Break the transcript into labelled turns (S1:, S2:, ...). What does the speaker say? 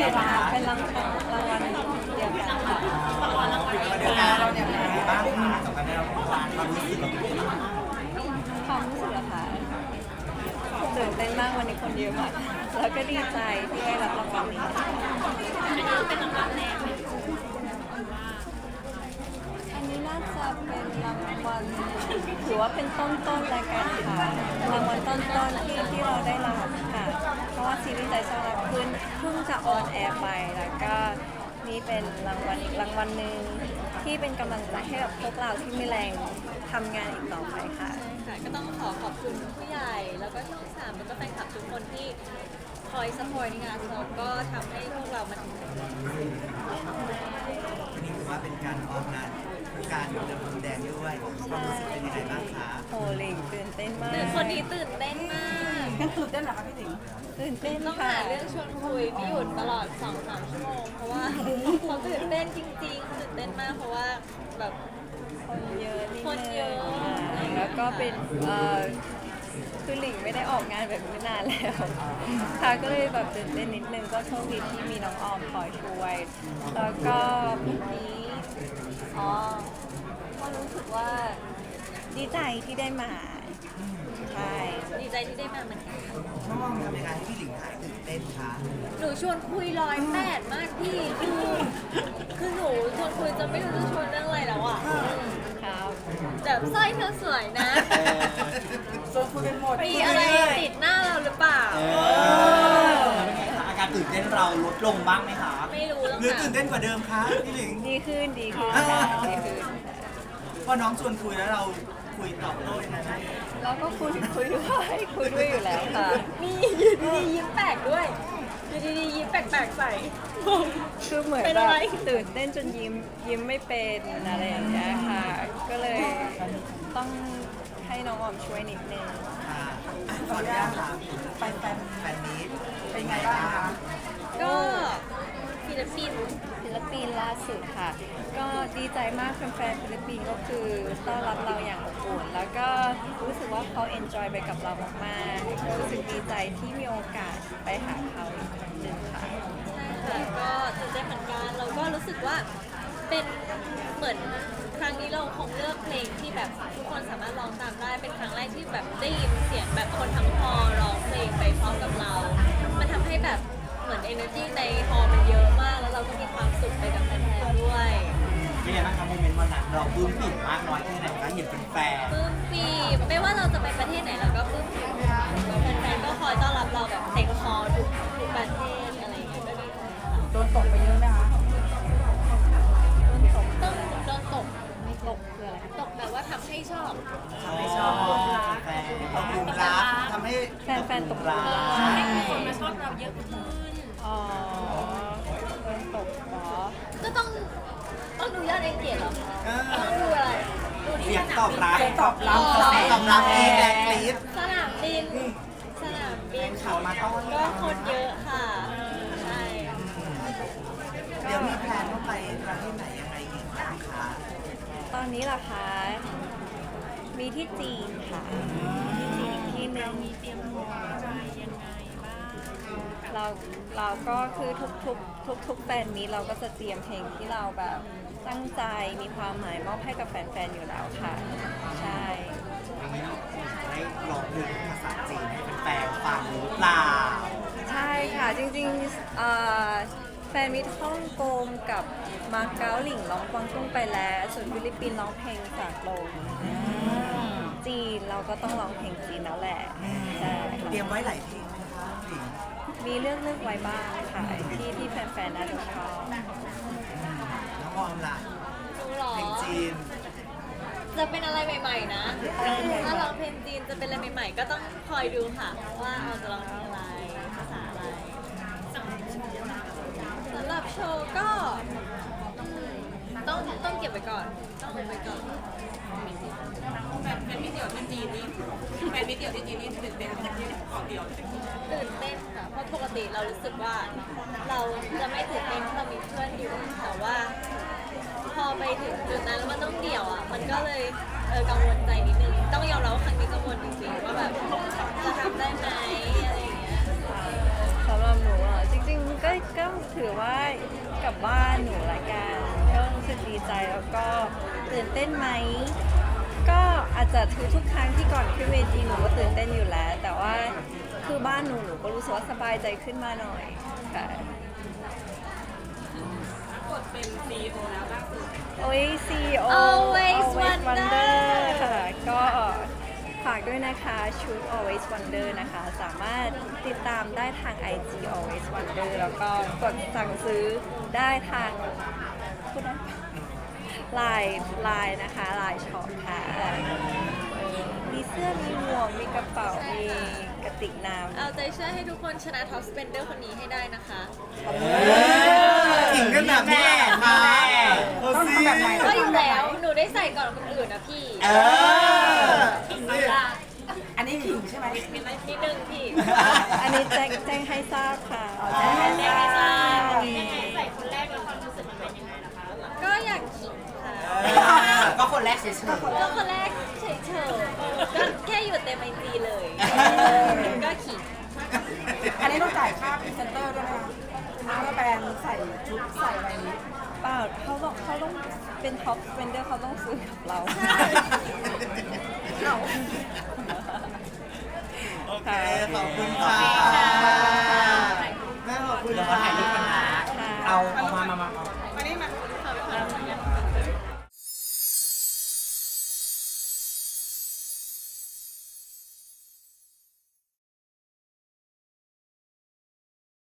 S1: เป็นรางวัลเดียวกันค่ะ
S2: เดือนหน้าเราเนี่ยเป็นยังไงบ้างคะสำหรับเราความรู้สึกเราเป็นยังไงบ้าง
S1: ความรู้สึกอะค่ะตื่นเต้นมากวันนี้คนเยอะมากแล้วก็ดีใจที่ได้รับรางวัลนี้อันนี้น่าจะเป็นรางวัลถือว่าเป็นต้นๆรายการค่ะรางวัลต้นๆที่เราได้รับค่ะเพราะว่าซีรีส์ใจช่างรักเพิ่งจะออนแอร์ไปแล้วก็นี่เป็นรางวัลอีกรางวัลหนึ่งที่เป็นกำลังใจให้กับพวกเราที่มีแรงทำงานอีกต่อไปค่ะ
S3: ค่ะก็ต้องขอบคุณผู้ใหญ่แล้วก็ช่องสามแล้วก็แฟนคลับทุกคนที่คอยซัพพอร์ตในงานเราก็ทำให้พวกเรามาถึงจุดนี้
S2: วันนี้ถือว่าเป็นการออกงานการเดินพรมแดงด้วยความรู้สึกเป็นยังไงบ้างคะ
S1: โหลิงตื่นเต้นมาก
S3: คนนี้ตื่นเต้นมาก
S1: ตื่นเต้นเหรอคะพี่หลิงตื่นเต้น
S3: ต้อง
S1: ค่ะ
S3: หาเรื่องชวนคุยไม่หยุดตลอด 2-3 ชั่วโมงเพราะว่าเขาตื่นเต้นจริงๆตื่นเต้นมากเพราะว่าแบบ
S1: คนเยอะนิด
S3: คน
S1: นึ
S3: เยอะ
S1: งแล้วก็เป็นคือหลิงไม่ได้ออกงานแบบนี้นานแล้วค่ะก็เลยแบบตื่นเต้นนิดนึงก็โชคดีที่มีน้องออมคอยช่วย แล้วก็เมื่อกี้ก็รู้สึกว่าดีใจที่ได้มาใช่
S3: ดีใจที่ได้มาเหมือนกัน
S2: น้องออมทำยังไงให้พี่หลิงหายตื่นเต้นคะ
S3: หนูชวนคุย108มากพี่คือหนูชวนคุยจะไม่รู้จะชวนเรื่องอะไรแล้วอ่ะ
S1: ครับ
S3: แบบสร้อยเธอสวยนะ
S2: ชวนคุยเป็นหมด
S3: มีอะไรติดหน้าเราหรือเปล่า
S2: อาการตื่นเต้นเราลดลงบ้างไหมคะ
S3: ไม่รู้แล้ว
S2: หรือ
S3: ค่ะ
S2: ตื่นเต้นกว่าเดิมคะพี่หลิง
S1: ดีขึ้นค่ะดีขึ้น
S2: พอน้องชวนคุยแล้วเราคุยตอบโต้ยังไงบ้าง
S1: แล้วก็คุยด้วยอยู่แล้วค่ะ
S3: มีอยู่ดีๆยิ้มแปลกด้วยอยู่ดีๆยิ้มแปลกๆใส่
S1: คือเหมือน
S3: เป็น
S1: แบ
S3: อะ
S1: บ
S3: ไร
S1: ตื่นเต้นจนยิ้มไม่เป็นอะไรอย่างเงี้ยค่ะ ก็เลยต้องให้น้องออมช่วยนิดนึง
S2: ค่ะขออนุญาตถามแฟนมีตเป็นไงบ้างคะ
S3: ก็ฟิลิปปินส์
S1: ศิลปินล่าสุดค่ะ ก็ดีใจมากแฟนๆฟิลิปปินส์ก็คือต้อนรับเราอย่างอบอุ่นแล้วก็รู้สึกว่าเขาเอนจอยไปกับเรามากๆก็รู้สึกดีใจที่มีโอกาสไปหาเขาอีกครั้งหนึ่งค่ะ
S3: ใช่ค่ะก็ตื่นเต้นเหมือนกันเราก็รู้สึกว่าเป็นเหมือนครั้งนี้เราคงเลือกเพลงที่แบบทุกคนสามารถร้องตามได้เป็นครั้งแรกที่แบบได้ยินเสียงแบบคนทั้งฮอลล์ร้องเพลงไปพร้อมกับเรา มันทำให้แบบเหมือน energy ในฮอลล์มันเยอะมาก แล้วเราก็มีความสุขไปกับแฟนๆด้วย
S2: เป็นไงบ้างครับโมเมนต์วันนั้นเราปลื้มปิ่มมากน้อยแค่ไหนคะเห็นเป็นแฟน
S3: ปลื้มปีไม่ว่าเราจะไปประเทศไหนเราก็ปลื้มปีแฟนๆก็คอยต้อนรับเราแบบเต็มฮอลล์ทุกประเทศอะไรอย่างเงี้ยก็ดีใจค่ะ
S1: โดนตกไปเยอะไหมคะ
S3: โดนตก
S1: ไม่ตกคืออะไร
S3: ตกแบบว่าทำให้ชอบ
S2: ทำให้ชอบแฟนตกหลุมรักทำให้
S1: แฟนๆตกหลุมรัก
S3: ให้คนมาชอบเราเยอะขึ้น
S1: อ๋อโดนตกเหรอ
S3: ก็ต้องดูยอดเองเกียรติเหรอ
S2: เออ
S3: ต้องดูอะไร ดูที่
S2: เสียง
S3: สนาม
S2: ตอบ
S3: บิน
S2: รับตอบรับเองแรงกรี๊ด
S3: สนามบิน สนามบิน
S2: ขับมาต้อน
S3: ก็คนเยอะค่ะ ใช่
S2: เดี๋ยวมีแพลนว่าไปประเทศไหนยังไงอีกบ้างคะ
S1: ตอนนี้ล่ะคะ มีที่จีนค่ะที่จีนอีกที่หนึ่งมีเตรียมตัวอะไรยังไงบ้างเราก็คือทุกแฟนมีเราก็จะเตรียมเพลงที่เราแบบตั้งใจมีความหมายมอบให้กับแฟนๆอยู่แล้วค่ะ ใช่
S2: ได้ลองเพลงภาษาจีนให้แฟนๆฟังหรือเปล่า
S1: ใช่ค่ะ จริงๆแฟนมิตรฮ่องกงกับมาเก๊าหลิงร้องกวางตุ้งไปแล้ว ส่วนฟิลิปปินส์ร้องเพลงจากลมจีนเราก็ต้องร้องเพลงจีนแล้วแหละใช่ค่ะ
S2: เตรียมไว้หลายเพลงไหมคะหลิง
S1: มีเลือกไว้บ้างค่ะที่แฟนๆน่าจะชอบ
S2: น้องออมล่ะ
S3: ดูหรอ
S2: เพลงจีน
S3: จะเป็นอะไรใหม่ๆนะ ถ้าร้องเพลงจีนจะเป็นอะไรใหม่ๆ ก็ต้องคอยดูค่ะ ว่าเราจะร้องเพลงอะไร ภาษาอะไรสำหรับโชว์ก็ต้องเก็บไว้ก่อน ต้องเก็บไว้ก่อน
S4: แบบแฟนมิเดียวที่จีนนี่แฟนมิเดียวที่จีนนี่ตื่นเต้นที่ขอเดียวเลย
S3: ตื่นเต้นค่ะ เพราะปกติเรารู้สึกว่าเราจะไม่ตื่นเต้นถ้าเรามีเพื่อนอยู่แต่ว่า พอไปถึงจุดนั้นแล้วมันต้องเดี่ยวอ่ะ มันก็เลยกังวลใจนิดนึง ต้องยอมรับว่าครั้งนี้กังวลจริงๆว่าแบบจะทำได้ไหมอะไรอย่างเงี้ย
S1: สำหรับหนูอ่ะจริงๆก็ก็ถือว่ากลับบ้านหนูละกันก็รู้สึกดีใจแล้วก็ตื่นเต้นไหมก็อาจจะทุกครั้งที่ก่อนขึ้นเวทีหนูก็ตื่นเต้นอยู่แล้ว แต่ว่าคือบ้านหนูก็รู้สึกว่าสบายใจขึ้นมาหน่อยค่ะ
S4: กดเป็น CEO แล้วล่าสุด
S1: โอ้ย CEO
S3: Always Wonder
S1: ค่ะก็ฝากด้วยนะคะชุด Always Wonder นะคะ สามารถติดตามได้ทาง IG Always Wonder แล้วก็กดสั่งซื้อได้ทางพูดได้ปะไลน์นะคะไลน์ช็อปค่ะมีเสื้อมีหมวกมีกระเป๋ามีกระติกน้ำ
S3: เอาใจช่วยให้ทุกคนชนะท็อปสเปนเดอร์คนนี้ให้ได้นะคะ
S2: ถึงกันแบบนี้ค่ะต้องทำแบบไหน
S3: ก็อยู่แล้ว หนูได้ใส่ก่อนคนอื่นนะพี่
S4: อันนี้ถึงใช่ไหม
S3: นิดนึงพี่
S1: อันนี้แจ้งให้ทราบค่ะ
S3: แจ้งให้ทราบ
S4: ใส่คนแรกแล้วความรู้สึกมันเป็นยังไงล่ะคะ
S3: ก็อยากขิงค่ะ
S2: ก็คนแรกเฉย
S3: ก็คนแรกเฉยๆก็แค่อยู่เต็มไอจีเลย ก็ขิง
S4: อันนี้ต้องจ่ายค่าพรีเซนเตอร์ด้วยไหมคะเมื่อแบรนด์ใส่ชุดใส่อะไรนี้
S1: เปล่าเขาต้องเป็นท็อปสเปนเดอร์เขาต้องซื้อกับเรา
S2: โอเค ขอบคุณค่ะ